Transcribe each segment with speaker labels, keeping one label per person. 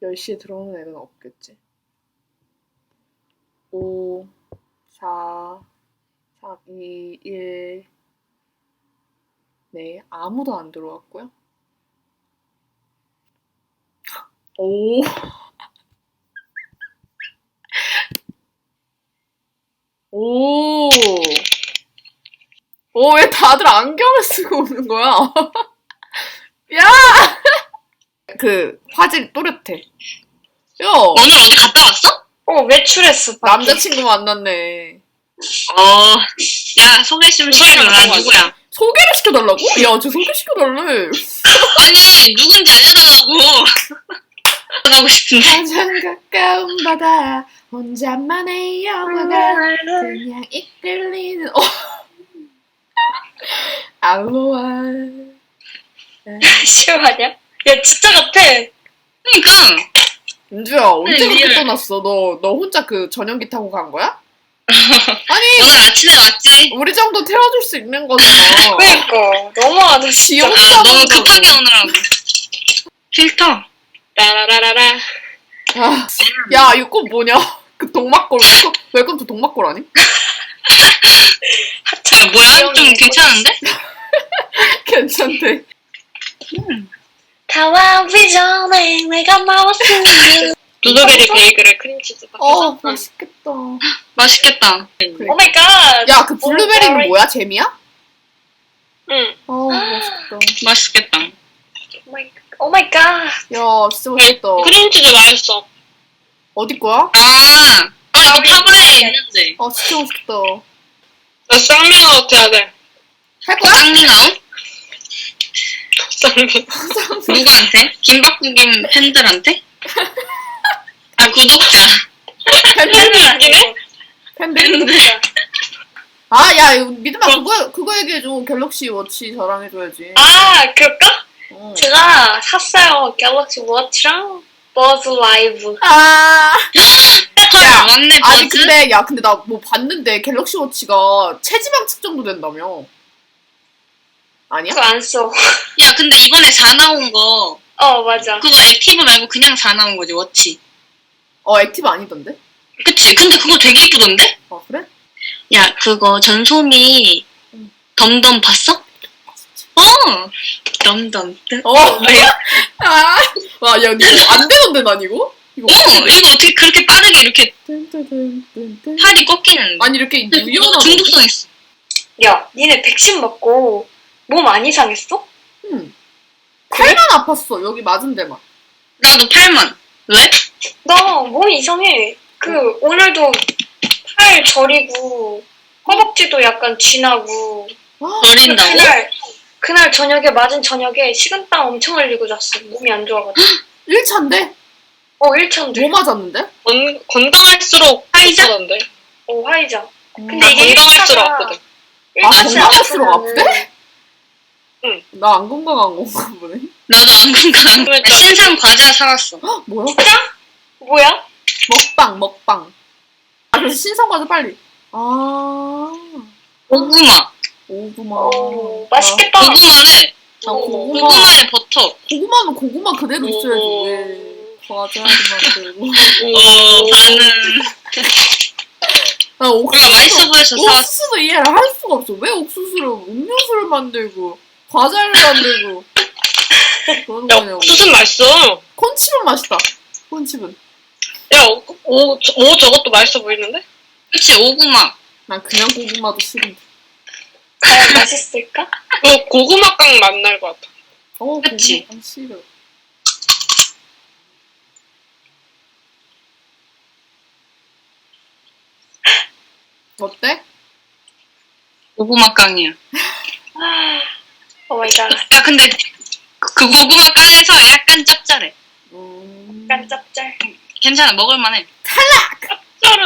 Speaker 1: 10시에 들어오는 애는 없겠지. 5, 4, 3, 2, 1. 네, 아무도 안 들어왔고요. 오. 오. 오, 왜 다들 안경을 쓰고 오는 거야? 야! 그, 화질 또렷해. 야!
Speaker 2: 오늘 어디 갔다 왔어?
Speaker 3: 외출했어. 밖에.
Speaker 1: 남자친구 만났네.
Speaker 2: 야, 소개 좀 시켜줘라. 누구야?
Speaker 1: 소개를 시켜달라고? 야, 쟤 소개시켜달래.
Speaker 2: 아니, 누군지 알려달라고. 가고 싶은데.
Speaker 1: 가장 가까운 바다, 혼자만의 영화가 그냥 이끌리는, 알로하.
Speaker 3: 싫어하냐? 야, 진짜 같아.
Speaker 2: 그니까.
Speaker 1: 은주야, 언제 그렇게
Speaker 2: 리얼.
Speaker 1: 떠났어? 너 혼자 그 전용기 타고 간 거야? 아니,
Speaker 2: 오늘 아침에 왔지?
Speaker 1: 우리 정도 태워줄 수 있는 거잖아.
Speaker 3: 그니까. 너무하다, 진짜.
Speaker 1: 지옥
Speaker 2: 너무 급하게 오느라고. 필터.
Speaker 3: 따라라라라.
Speaker 1: 아, 야, 이거 꽃 뭐냐? 그 동막골, 웰컴 투 동막골 아니?
Speaker 2: 야, 뭐야? 좀 괜찮은데?
Speaker 1: 괜찮대.
Speaker 3: 다와오기 전에 내가 나왔으니.
Speaker 2: 블루베리 베이글에 크림치즈
Speaker 1: 맛있겠다.
Speaker 2: 맛있겠다.
Speaker 3: 오마이갓.
Speaker 1: 야, 그 블루베리는 뭐야? 잼이야?
Speaker 3: 응.
Speaker 1: 맛있겠다.
Speaker 2: 맛있겠다.
Speaker 3: 오마이갓.
Speaker 1: 야, 진짜 맛있겠다.
Speaker 4: 크림치즈 맛있어.
Speaker 1: 어디 거야?
Speaker 2: 이거 타브레에 있는데.
Speaker 1: 진짜 맛있겠다.
Speaker 4: 나 쌍미아웃 해야 돼.
Speaker 1: 할 거야?
Speaker 2: 쌍밍아웃?
Speaker 4: 쌍미.
Speaker 2: 누구한테? 김박국인 팬들한테? 구독자.
Speaker 4: 있긴 해?
Speaker 1: 팬들? 야, 이거 믿음아, 그거 얘기해줘. 갤럭시 워치 자랑해줘야지.
Speaker 3: 그럴까? 제가 샀어요. 갤럭시 워치랑 버즈 라이브.
Speaker 1: 야,
Speaker 2: 맞네,
Speaker 1: 아니,
Speaker 2: 버즈?
Speaker 1: 근데 나 뭐 봤는데, 갤럭시 워치가 체지방 측정도 된다며. 아니야?
Speaker 3: 그거 안 써.
Speaker 2: 야, 근데 이번에 4 나온 거,
Speaker 3: 맞아.
Speaker 2: 그거 액티브 말고 그냥 4 나온 거지, 워치.
Speaker 1: 액티브 아니던데?
Speaker 2: 그치? 근데 그거 되게 이쁘던데?
Speaker 1: 그래?
Speaker 2: 야, 그거 전소미 덤덤 봤어? 덤덤.
Speaker 1: 뭐야? 와, 야, 이거 안 되던데, 난 이거?
Speaker 2: 이거 어떻게 그렇게 빠르게 이렇게 팔이 꺾이는데?
Speaker 1: 아니, 이렇게 유연하다.
Speaker 2: 중독성 있어.
Speaker 3: 야, 니네 백신 맞고 몸 안 이상했어?
Speaker 1: 팔만 아팠어, 여기 맞은 데만.
Speaker 2: 나도 팔만. 왜?
Speaker 3: 나 몸이 이상해. 오늘도 팔 저리고 허벅지도 약간 지나고.
Speaker 2: 저린다고?
Speaker 3: 그날 저녁에 맞은 저녁에 식은땀 엄청 흘리고 잤어. 몸이 안 좋아가지고.
Speaker 1: 1차인데?
Speaker 3: 1차인데.
Speaker 1: 뭐 맞았는데?
Speaker 4: 건강할수록
Speaker 2: 화이자?
Speaker 4: 아프던데.
Speaker 3: 화이자. 근데
Speaker 4: 나
Speaker 3: 이게
Speaker 4: 건강할수록 아프대.
Speaker 1: 건강할수록 아프대?
Speaker 4: 응.
Speaker 1: 나 안 건강한 건가 보네.
Speaker 2: 나도 안 건강.
Speaker 4: 그러니까.
Speaker 2: 신상 과자 사왔어.
Speaker 1: 뭐야?
Speaker 3: 뭐야?
Speaker 1: 먹방. 그래서 신선과자 빨리.
Speaker 2: 고구마.
Speaker 1: 고구마.
Speaker 3: 맛있겠다.
Speaker 2: 고구마를 고구마에 버터.
Speaker 1: 고구마는 고구마 그대로 있어야지. 왜 과자를 만들고.
Speaker 2: 반은.
Speaker 1: 나
Speaker 2: 우리가 맛있어 보여서 사왔어.
Speaker 1: 옥수수도 이해를 할 수가 없어. 왜 옥수수를 음료수를 만들고 과자를 만들고 그러는
Speaker 4: 야,
Speaker 1: 거냐고.
Speaker 4: 옥수수는 맛있어.
Speaker 1: 콘칩은 맛있다. 콘칩은.
Speaker 4: 야, 오 저것도 맛있어 보이는데?
Speaker 2: 그치, 오구마.
Speaker 1: 난 그냥 고구마도 싫은데.
Speaker 3: 과연 맛있을까?
Speaker 4: 고구마깡 맛날 것 같아.
Speaker 2: 그치.
Speaker 1: 고구마 싫어. 어때?
Speaker 2: 고구마 깡이야.
Speaker 3: 오마이갓.
Speaker 2: 야, 근데 그 고구마 깡에서 약간 짭짤해.
Speaker 3: 약간 짭짤.
Speaker 2: 괜찮아, 먹을만해.
Speaker 4: 쩔은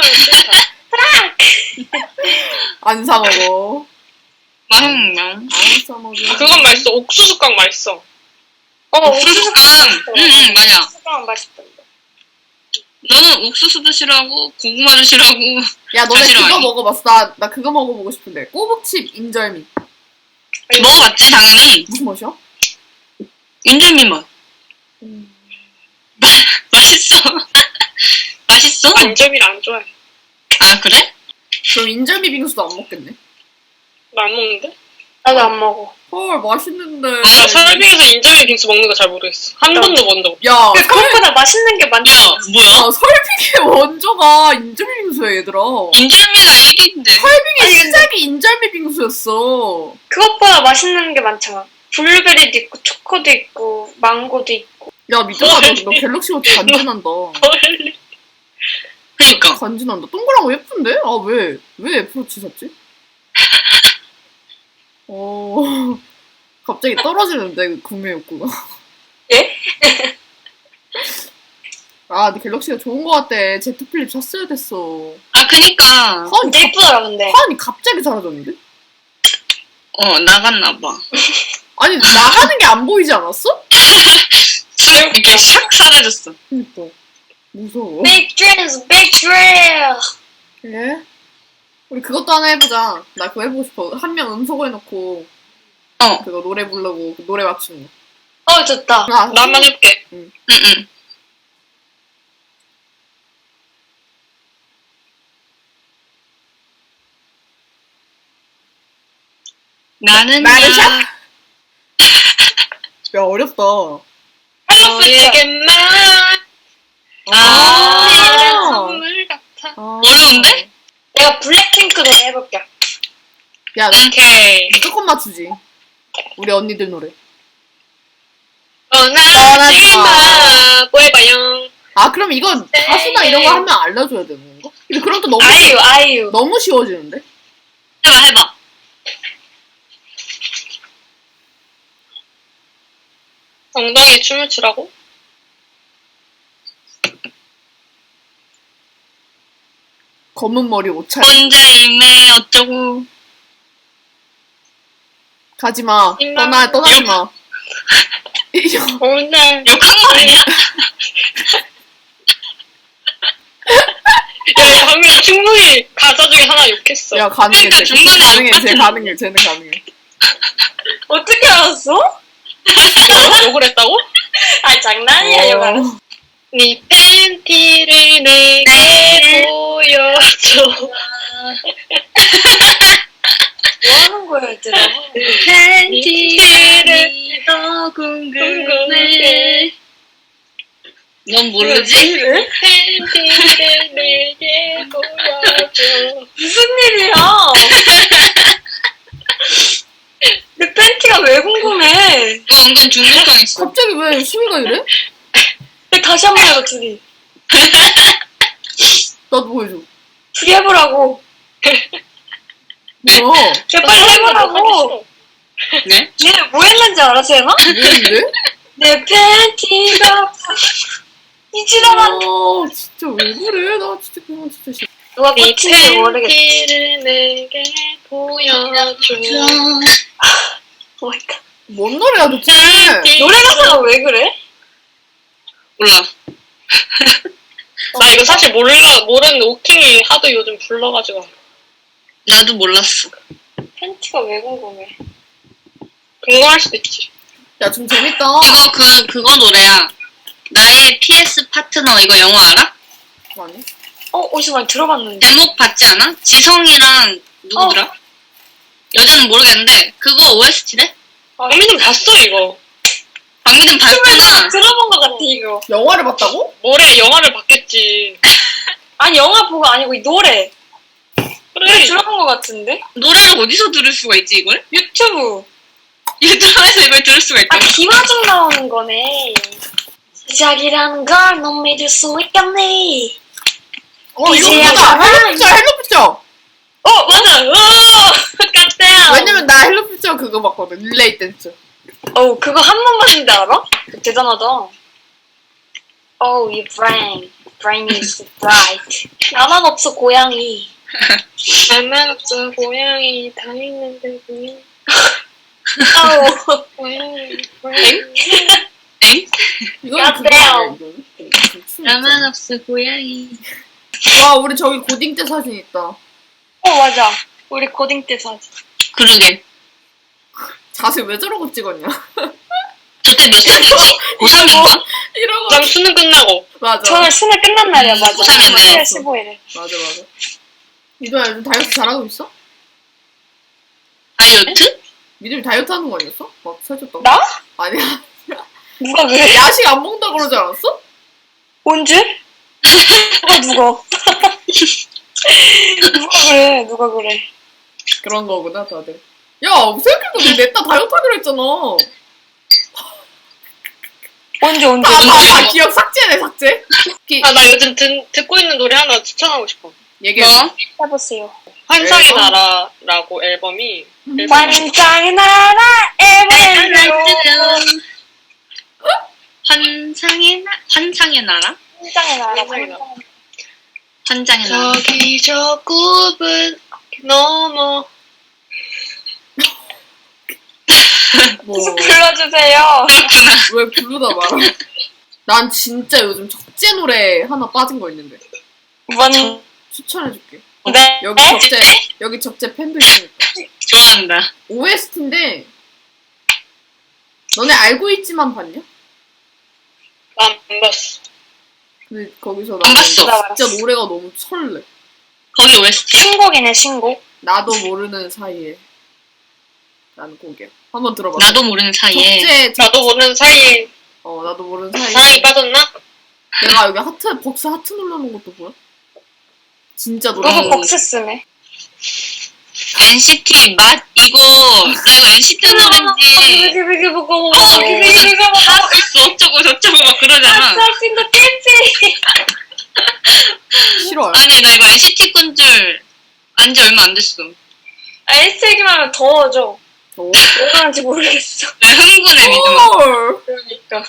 Speaker 1: 안 사 먹어.
Speaker 2: 음.
Speaker 1: 안 사 먹어.
Speaker 4: 그건 맛있어. 옥수수깡 맛있어.
Speaker 2: 옥수수깡. 맞아.
Speaker 3: 옥수수깡 맛있던데.
Speaker 2: 너는 옥수수도 싫어하고 고구마도 싫어하고.
Speaker 1: 야, 너네
Speaker 2: 사실
Speaker 1: 그거
Speaker 2: 아니.
Speaker 1: 먹어봤어. 나 그거 먹어보고 싶은데. 꼬북칩 인절미.
Speaker 2: 먹어봤지, 당연히.
Speaker 1: 무슨 맛이야?
Speaker 2: 인절미 맛. 맛있어. 맛있어?
Speaker 4: 인절미를 안 좋아해.
Speaker 2: 아, 그래?
Speaker 1: 그럼 인절미 빙수도 안 먹겠네.
Speaker 4: 나 안 먹는데?
Speaker 3: 나도 안 먹어.
Speaker 1: 헐, 맛있는데.
Speaker 4: 나 설빙에서 인절미 빙수 먹는 거 잘 모르겠어. 한 번도 본 적 없어.
Speaker 1: 야,
Speaker 3: 근데 그것보다 맛있는 게 많지.
Speaker 2: 야, 뭐야?
Speaker 1: 설빙의 원조가 인절미 빙수야, 얘들아.
Speaker 2: 인절미가 1위인데.
Speaker 1: 설빙의 시작이 인절미 빙수였어.
Speaker 3: 그것보다 맛있는 게 많잖아. 블루베리도 있고, 초코도 있고, 망고도 있고.
Speaker 1: 야, 믿어봐, 너 갤럭시 워치 간지난다.
Speaker 4: 헐.
Speaker 2: 그니까.
Speaker 1: 간지난다. 동그랗고 예쁜데? 아, 왜 애플워치 샀지? 갑자기 떨어지는데, 그 구매 욕구가.
Speaker 3: 예?
Speaker 1: 아, 근데 갤럭시가 좋은 거 같대. 제트 플립 샀어야 됐어.
Speaker 2: 아, 그니까.
Speaker 3: 진짜 예쁘더라, 근데.
Speaker 1: 화환이 갑자기 사라졌는데?
Speaker 2: 나갔나봐.
Speaker 1: 아니, 나가는 게 안 보이지 않았어?
Speaker 2: 이렇게 샥 사라졌어.
Speaker 1: 그니까. 무서워.
Speaker 3: Big dreams, big dream.
Speaker 1: 예? 우리 그것도 하나 해보자. 나 그거 해보고 싶어. 한 명 음소거 해놓고, 그거 노래 부르고, 노래 맞추는 거.
Speaker 3: 좋다.
Speaker 1: 아,
Speaker 4: 나만 해볼게.
Speaker 2: 응. 나는
Speaker 1: 나르샤? 야, 어렵다.
Speaker 4: 너에게만 선물 같아.
Speaker 2: 어려운데?
Speaker 3: 내가 블랙핑크 노래 해볼게.
Speaker 1: 야,
Speaker 4: 오케이.
Speaker 1: 무조건 맞추지. 우리 언니들 노래.
Speaker 4: 떠나지 마. 뽀해봐요.
Speaker 1: 아, 그럼 이건 가수나 이런 거 하면 알려줘야 되는 건가? 근데 그럼 또
Speaker 3: 아이유.
Speaker 1: 너무 쉬워지는데?
Speaker 2: 해봐.
Speaker 4: 엉덩이에 춤을 추라고?
Speaker 1: 검은 머리 옷차림.
Speaker 2: 혼자임에 어쩌고.
Speaker 1: 가지마. 떠나지마.
Speaker 4: 오늘
Speaker 2: 욕한 거 아니야?
Speaker 4: 야, 방금 충분히 가사 중에 하나 욕했어.
Speaker 1: 야, 가능해.
Speaker 2: 그러니까 중간에
Speaker 1: 쟤 가능해. 쟤는 가능해.
Speaker 3: 어떻게 알았어?
Speaker 4: 욕을 했다고?
Speaker 3: 아, 장난이야, 이거 알았어.
Speaker 4: 네 팬티를 내게 보여줘.
Speaker 3: 뭐 하는 거야, 얘들아?
Speaker 2: 팬티를 더 궁금해. 넌 모르지?
Speaker 4: 팬티를 내게 보여줘.
Speaker 3: 무슨 일이야? 내 팬티가 왜 궁금해?
Speaker 2: 너 은근 중독성있어.
Speaker 1: 갑자기 왜 수위가 이래?
Speaker 3: 근데 다시 한 번 해봐, 둘이.
Speaker 1: 나도 보여줘.
Speaker 3: 둘이 해보라고.
Speaker 1: 뭐야?
Speaker 3: 제가 빨리 해보라고.
Speaker 2: 네?
Speaker 3: 얘네 뭐 했는지 알아, 쟤나?
Speaker 1: 뭐인데?
Speaker 3: 내 팬티가 이지나만
Speaker 1: 진짜 왜 그래? 나 진짜 그만 진짜 싫어.
Speaker 3: 누가
Speaker 4: 네
Speaker 3: 꽂힌지 모르겠지.
Speaker 4: 팬티를 내게 보여줘.
Speaker 3: 오마이갓.
Speaker 1: 뭔 노래야 도대체?
Speaker 3: 노래 가사가 왜 그래?
Speaker 2: 몰라.
Speaker 4: 나 이거 사실 모르는데 오킹이 하도 요즘 불러가지고.
Speaker 2: 나도 몰랐어.
Speaker 3: 팬티가 왜 궁금해?
Speaker 4: 궁금할 수도 있지.
Speaker 1: 야, 좀 재밌다.
Speaker 2: 이거 그거 노래야. 나의 PS 파트너 이거 영어 알아?
Speaker 1: 아니?
Speaker 3: 어디서 많이 들어봤는데.
Speaker 2: 제목 봤지 않아? 지성이랑 누구더라? 여자는 모르겠는데 그거 OST래?
Speaker 4: 박민님 봤어 이거.
Speaker 2: 박민은 봤구나.
Speaker 3: 들어본 것 같아, 이거.
Speaker 1: 영화를 봤다고?
Speaker 4: 모레 영화를 봤겠지.
Speaker 3: 아니, 영화 보고 아니고 이 노래.
Speaker 4: 그래.
Speaker 3: 들어본 것 같은데?
Speaker 2: 노래를 어디서 들을 수가 있지 이걸?
Speaker 3: 유튜브.
Speaker 2: 유튜브에서 이걸 들을 수가
Speaker 3: 아,
Speaker 2: 있다고?
Speaker 3: 김하중 나오는 거네. 시작이라는 걸 넌 믿을 수 있겠니?
Speaker 1: 이거
Speaker 3: 이제야
Speaker 1: 보자.
Speaker 3: 알아.
Speaker 1: 헬로피처.
Speaker 3: 맞아. 깜짝이야.
Speaker 1: 왜냐면 나 헬로피처 그거 봤거든. 릴레이 댄스.
Speaker 3: 그거 한 번 봤는데 알아? 대단하다. your brain is bright. 나만 없어, 고양이.
Speaker 4: 나만 없어 고양이 다 있는데 고양이.
Speaker 3: 아우.
Speaker 4: 고양이.
Speaker 2: 엥?
Speaker 1: 이거는
Speaker 3: 야,
Speaker 1: 그거야.
Speaker 2: 나만 없어 고양이.
Speaker 1: 와, 우리 저기 고딩 때 사진 있다.
Speaker 3: 맞아. 우리 고딩 때 사진.
Speaker 2: 그러게.
Speaker 1: 자세 왜 저러고 찍었냐?
Speaker 2: 저때 몇 살이지? 고3인가?
Speaker 1: 이러고.
Speaker 4: 난 수능 끝나고.
Speaker 1: 맞아.
Speaker 3: 저는 수능 끝난 날이야, 맞아.
Speaker 2: 고생했네.
Speaker 3: 7월 15일에.
Speaker 1: 맞아. 미도야 요즘 다이어트 잘하고 있어?
Speaker 2: 다이어트?
Speaker 1: 미도이 다이어트 하는 거 아니었어? 막 살쪘다고?
Speaker 3: 나?
Speaker 1: 아니야.
Speaker 3: 누가 그래?
Speaker 1: 야식 안 먹는다 그러지 않았어?
Speaker 3: 언제? 누가? 누가 그래?
Speaker 1: 그런 거구나 다들. 야 생각해도 냈다 다이어트 하기로 했잖아.
Speaker 3: 언제?
Speaker 1: 다 기억 삭제네 삭제.
Speaker 4: 아, 나 요즘 듣고 있는 노래 하나 추천하고 싶어.
Speaker 1: 얘기해.
Speaker 2: 뭐?
Speaker 3: 해보세요.
Speaker 4: 환상의
Speaker 1: 앨범?
Speaker 4: 나라라고 앨범이.
Speaker 3: 환상의 나라 에베르
Speaker 2: 환상의 나라?
Speaker 3: 환상의 나라.
Speaker 2: 환장의 나라.
Speaker 4: 저기 저 굽은 넘어.
Speaker 1: 뭐
Speaker 3: 불러주세요.
Speaker 1: 왜 부르다 말아. 난 진짜 요즘 적재 노래 하나 빠진 거 있는데
Speaker 3: 뭔?
Speaker 1: 추천해줄게.
Speaker 3: 네.
Speaker 1: 여기 적재 팬도 있으니까.
Speaker 2: 좋아한다.
Speaker 1: OST인데 너네 알고 있지만 봤냐?
Speaker 4: 난 안 봤어.
Speaker 1: 근데 거기서
Speaker 2: 안 봤어.
Speaker 1: 나는 진짜 노래가 너무 설레.
Speaker 2: 거기 OST?
Speaker 3: 신곡이네 신곡.
Speaker 1: 나도 모르는 사이에 라는 곡이야. 한번 들어봐.
Speaker 2: 나도 모르는 사이에.
Speaker 4: 나도 모르는 사이에
Speaker 1: 나도 모르는 사이에
Speaker 4: 사랑이 빠졌나?
Speaker 1: 내가 여기 벅스 하트 눌러놓은 것도 보여? 진짜 노래.
Speaker 3: 누구 복스 쓰네.
Speaker 2: NCT 맛 이거 나 이거 NCT 노래인지 하우스 어쩌고 저쩌고 막 그러잖아.
Speaker 3: 아싸신도 깼지.
Speaker 1: 싫어요.
Speaker 2: 아니 나 이거 NCT 건 줄 안지 얼마 안 됐어.
Speaker 3: S 얘기만 하면 더워져.
Speaker 1: 어?
Speaker 3: 왜 그런지 모르겠어.
Speaker 2: 흥분해 믿음.
Speaker 1: 헐.
Speaker 3: 그러니까.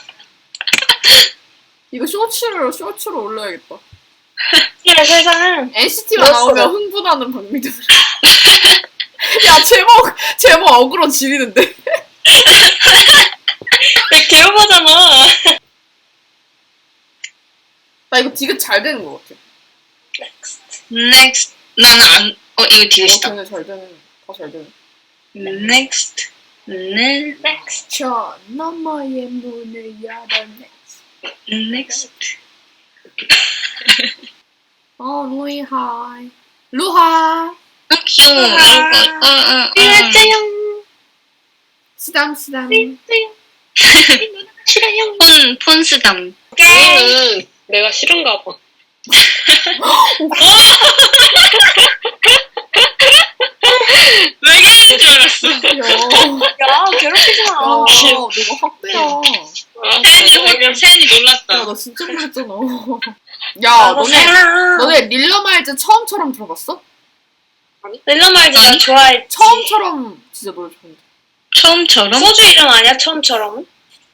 Speaker 1: 이거 쇼츠로 올려야겠다.
Speaker 3: 이 세상은
Speaker 1: NCT가
Speaker 3: 멋있어.
Speaker 1: 나오면 흥분하는 박미들. 야 제목 어그로 지리는데.
Speaker 3: 왜 개업하잖아.
Speaker 1: 나 이거 디귿 잘 되는 것 같아.
Speaker 2: Next 나는 안 이거 디귿이다.
Speaker 1: 걔네 잘 되는 다 잘 되는.
Speaker 2: Next
Speaker 3: Next.
Speaker 1: 저 너머의 문을 열어
Speaker 2: next
Speaker 1: 루하
Speaker 2: 귀여워.
Speaker 3: 일자형.
Speaker 1: 쓰담
Speaker 3: 싫어요.
Speaker 2: 폰스담.
Speaker 4: 얘는 내가 싫은가 봐.
Speaker 2: 왜 그러는 줄 알았어.
Speaker 3: 야 괴롭히지 마.
Speaker 1: 내가 확대야.
Speaker 2: 세연이 놀랐다.
Speaker 1: 야, 나 진짜 놀랐잖아. 야, 너네 릴러말즈 처음처럼 들어봤어?
Speaker 3: 릴러말즈 나 좋아했지.
Speaker 1: 처음처럼 진짜 노래 좋은데.
Speaker 2: 처음처럼?
Speaker 3: 소주 이름 아니야 처음처럼?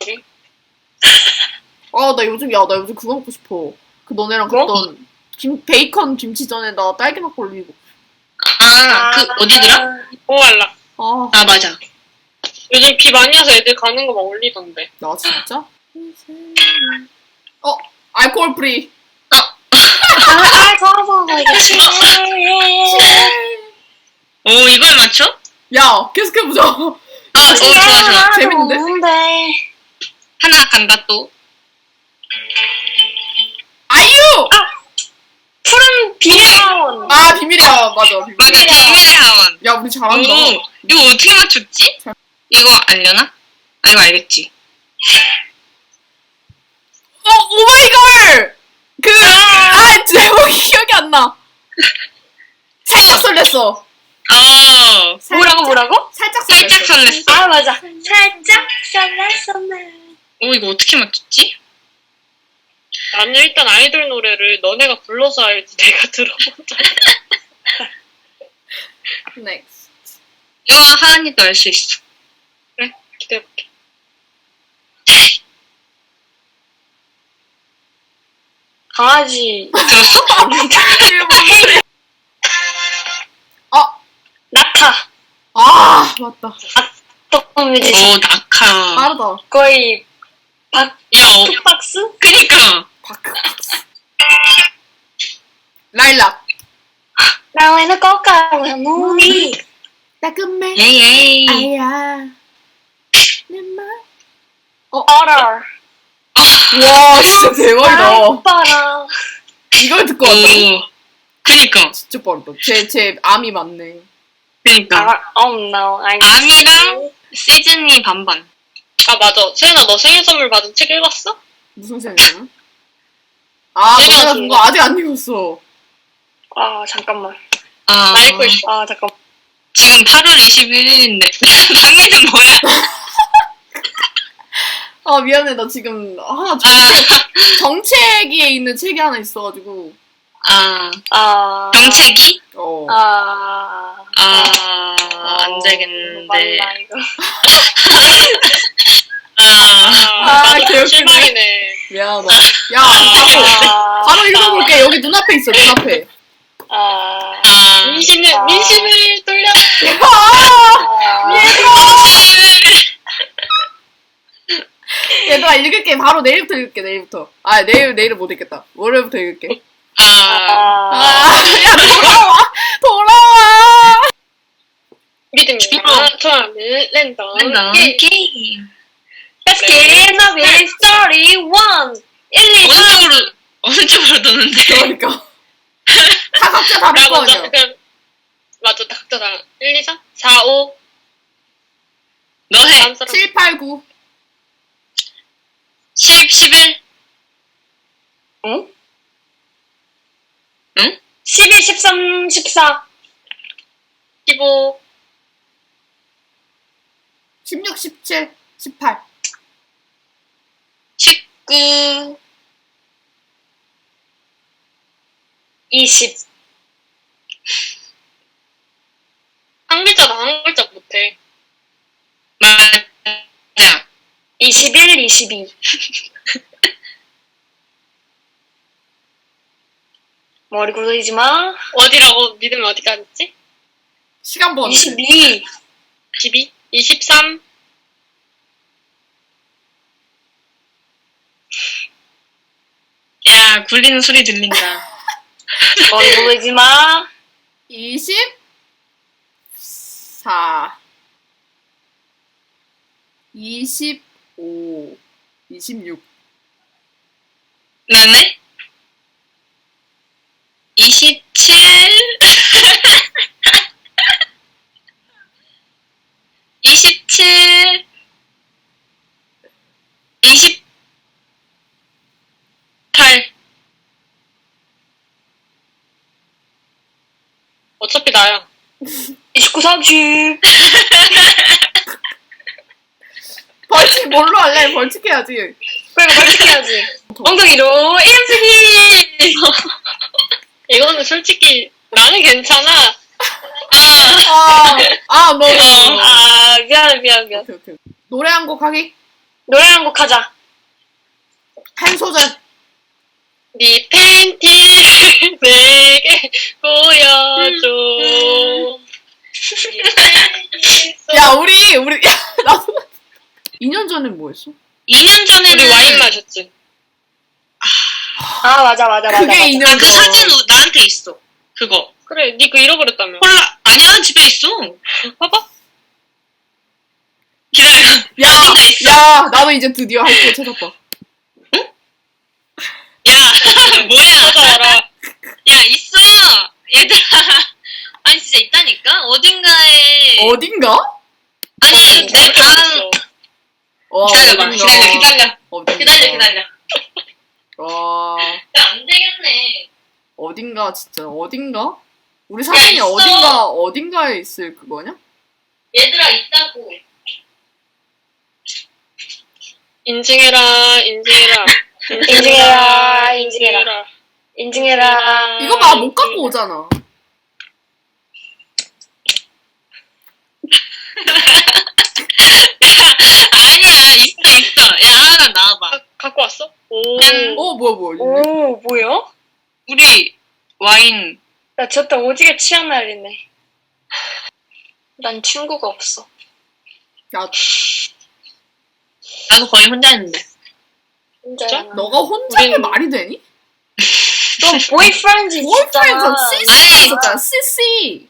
Speaker 1: 나 요즘 그거 먹고 싶어. 그 너네랑
Speaker 3: 뭐?
Speaker 1: 갔던 베이컨 김치전에다 딸기 맛 올리고.
Speaker 2: 그 어디더라?
Speaker 4: 오알라.
Speaker 1: 아,
Speaker 2: 맞아.
Speaker 4: 요즘 비 많이 와서 애들 가는 거 막 올리던데.
Speaker 1: 나 진짜? 알코올 프리.
Speaker 3: 더워
Speaker 2: 오 이걸 맞춰?
Speaker 1: 야, 계속해보자.
Speaker 2: 좋아.
Speaker 1: 재밌는데?
Speaker 2: 하나 간다 또.
Speaker 1: 아이유!
Speaker 3: 푸른 비밀하원.
Speaker 1: 비밀이야. 맞아, 비밀.
Speaker 2: 맞아 비밀의 하원.
Speaker 1: 야, 우리 잘한다.
Speaker 2: 오 이거 어떻게 맞췄지? 이거 알려나? 이거 알겠지.
Speaker 1: 오마이걸! 제목이 기억이 안 나. 살짝 설렜어.
Speaker 3: 뭐라고?
Speaker 1: 살짝
Speaker 2: 살짝 설렜어.
Speaker 3: 맞아. 살짝 설렜었네.
Speaker 2: 오 이거 어떻게 맞췄지?
Speaker 4: 나는 일단 아이돌 노래를 너네가 불러서 알지 내가 들어본 적.
Speaker 1: Next.
Speaker 2: 이거 하은이도 알 수 있어.
Speaker 4: 그래? 기대해볼게.
Speaker 3: 강아지. 낙하.
Speaker 1: 맞다.
Speaker 3: 떡 뮤지션.
Speaker 2: 오 낙하.
Speaker 1: 빠르다.
Speaker 3: 거의
Speaker 2: 야
Speaker 3: 박스?
Speaker 2: 그니까.
Speaker 1: 바크박스. 라일락.
Speaker 3: 나와는 꽃가루 무늬.
Speaker 1: 따끔해.
Speaker 2: 예예.
Speaker 1: 아야. 내 말.
Speaker 3: 얼어.
Speaker 1: 와, 진짜 대박이다.
Speaker 3: 오빠랑.
Speaker 1: 이걸 듣고 왔다고?
Speaker 2: 그니까.
Speaker 1: 진짜 빠르다. 제 암이 맞네.
Speaker 2: 그니까.
Speaker 3: Oh no.
Speaker 2: 아미랑 시즈니 반반.
Speaker 4: 아, 맞아. 세연아, 너 생일 선물 받은 책 읽었어?
Speaker 1: 무슨 생각이야? 아,
Speaker 4: 내가
Speaker 1: 너가
Speaker 4: 준
Speaker 1: 준
Speaker 4: 거.
Speaker 1: 거 아직 안 읽었어.
Speaker 3: 아, 잠깐만.
Speaker 2: 아,
Speaker 4: 나 읽고 있어.
Speaker 3: 아, 잠깐만.
Speaker 2: 지금 8월 21일인데. 당일은 뭐야?
Speaker 1: 아, 미안해. 나 지금 하나 정책위에 있는 책이 하나 있어가지고.
Speaker 3: 아.
Speaker 2: 정책이?
Speaker 1: 어.
Speaker 2: 안 되겠는데.
Speaker 3: 맞나, 이거.
Speaker 4: 나도
Speaker 1: 개웃기네.
Speaker 4: 실망이네.
Speaker 1: 미안하다. 야, 바로 읽어볼게. 여기 눈앞에 있어, 눈앞에.
Speaker 4: 민심을 돌려.
Speaker 1: 얘들아, 읽을게. 바로 내일부터 읽을게, 내일부터. 아, 내일은 못 읽겠다. 월요일부터 읽을게. 야, 돌아와!
Speaker 4: 믿음이야. 좋아하는 랜덤 게임.
Speaker 3: Let's get in a story 1, 1, 2, 3.
Speaker 2: 어느 쪽으로 도는데?
Speaker 1: 그러니까. 다 각자 다를
Speaker 4: 나
Speaker 1: 거
Speaker 4: 먼저,
Speaker 1: 아니야.
Speaker 4: 그럼, 맞아, 각자 다. 1, 2, 3, 4, 5.
Speaker 2: 너 해.
Speaker 4: 다음 사람.
Speaker 1: 7, 8, 9.
Speaker 2: 10, 11.
Speaker 3: 응?
Speaker 2: 응?
Speaker 3: 12, 13, 14.
Speaker 4: 15.
Speaker 1: 16, 17, 18.
Speaker 2: 19.
Speaker 3: 20.
Speaker 4: 한 글자도 한 글자 못해.
Speaker 2: 맞아.
Speaker 3: 21, 22. 머리 굴리지 마.
Speaker 4: 어디라고 믿으면 어디까지 있지?
Speaker 1: 시간 번.
Speaker 3: 22.
Speaker 4: 22, 23,
Speaker 2: 야, 굴리는 소리 들린다.
Speaker 3: 머리 굴리지 마.
Speaker 1: 24. 25. 26.
Speaker 2: 나네? 27. 27. 28.
Speaker 4: 어차피 나야.
Speaker 3: 29, 30.
Speaker 1: 벌칙 뭘로 할래? 벌칙 해야지.
Speaker 3: 그러니까 벌칙해야지. 엉덩이로 이름쓰기.
Speaker 4: 이거는 솔직히 나는 괜찮아.
Speaker 1: 너.
Speaker 3: 아, 미안.
Speaker 1: 오케이, 오케이. 노래 한 곡 하기?
Speaker 3: 노래 한 곡 하자.
Speaker 1: 한 소절.
Speaker 4: 네 팬티를 내게 보여줘. 네 팬티
Speaker 1: 야, 우리, 야, 나도. 2년 전엔 뭐 했어?
Speaker 2: 2년 전에는
Speaker 4: 우리 와인 마셨지.
Speaker 3: 아, 맞아.
Speaker 1: 그게 2년 전.
Speaker 2: 그 사진 나한테 있어. 그거.
Speaker 4: 그래, 니 그거 잃어버렸다며.
Speaker 2: 콜라 아니야, 집에 있어.
Speaker 4: 봐봐.
Speaker 2: 기다려.
Speaker 1: 야,
Speaker 2: 진짜 있어.
Speaker 1: 야, 나도 이제 드디어 할 거 찾았다.
Speaker 2: 야, 뭐야?
Speaker 4: 찾아와라.
Speaker 2: 야, 있어. 얘들아. 아니 진짜 있다니까. 어딘가에.
Speaker 1: 어딘가?
Speaker 2: 아니 내 방. 기다려봐. 기다려.
Speaker 1: 어딘가.
Speaker 2: 기다려.
Speaker 1: 와,
Speaker 2: 안 되겠네.
Speaker 1: 어딘가, 진짜, 어딘가? 우리 사진이
Speaker 2: 있어.
Speaker 1: 어딘가에 있을 그거냐?
Speaker 2: 얘들아 있다고.
Speaker 4: 인증해라.
Speaker 3: 인증해라.
Speaker 1: 이거 봐, 못 갖고 오잖아.
Speaker 2: 아니야, 있어. 야, 하나 나와봐.
Speaker 4: 갖고 왔어? 오.
Speaker 2: 짠.
Speaker 1: 뭐야.
Speaker 3: 오, 뭐야?
Speaker 2: 우리 와인.
Speaker 3: 나 저때 오지게 취한 날이네. 난 친구가 없어.
Speaker 1: 야,
Speaker 2: 나도 거의 혼자 있는데.
Speaker 3: 혼자야.
Speaker 1: 너가 혼자면
Speaker 4: 우린-
Speaker 1: 말이 되니?
Speaker 3: 너 보이프렌즈
Speaker 1: 보이프렌드
Speaker 3: 있었잖아.
Speaker 1: CC가 있었잖아, CC.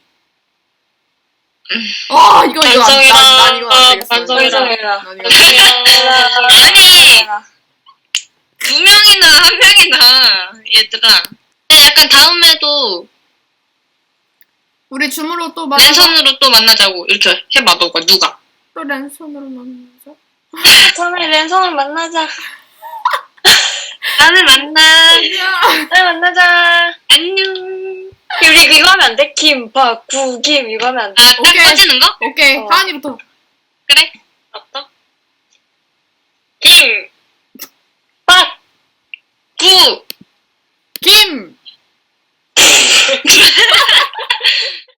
Speaker 1: 아, 이거 난 이거 안 되겠어.
Speaker 4: 반성해라.
Speaker 3: 반성해라.
Speaker 1: 난 이거 안 되겠어.
Speaker 2: 아니. 두 명이나 한 명이나 얘들아. 약간 다음에도
Speaker 1: 우리 줌으로 또 만나.
Speaker 2: 랜선으로 또 만나자고 이렇게 해봐. 너가 누가?
Speaker 1: 또 랜선으로 만나자.
Speaker 3: 처음에 랜선을 만나자.
Speaker 2: 나는 만나.
Speaker 3: 네, 만나자.
Speaker 2: 안녕.
Speaker 3: 우리 이거 하면 안 돼? 김밥, 구김 이거 하면 안 돼?
Speaker 2: 아, 딱
Speaker 1: 오케이.
Speaker 2: 꺼지는 거?
Speaker 1: 오케이.
Speaker 3: 어.
Speaker 1: 하은이부터.
Speaker 2: 그래.
Speaker 4: 맞다? 김!
Speaker 3: 밥!
Speaker 2: 구.
Speaker 1: 김!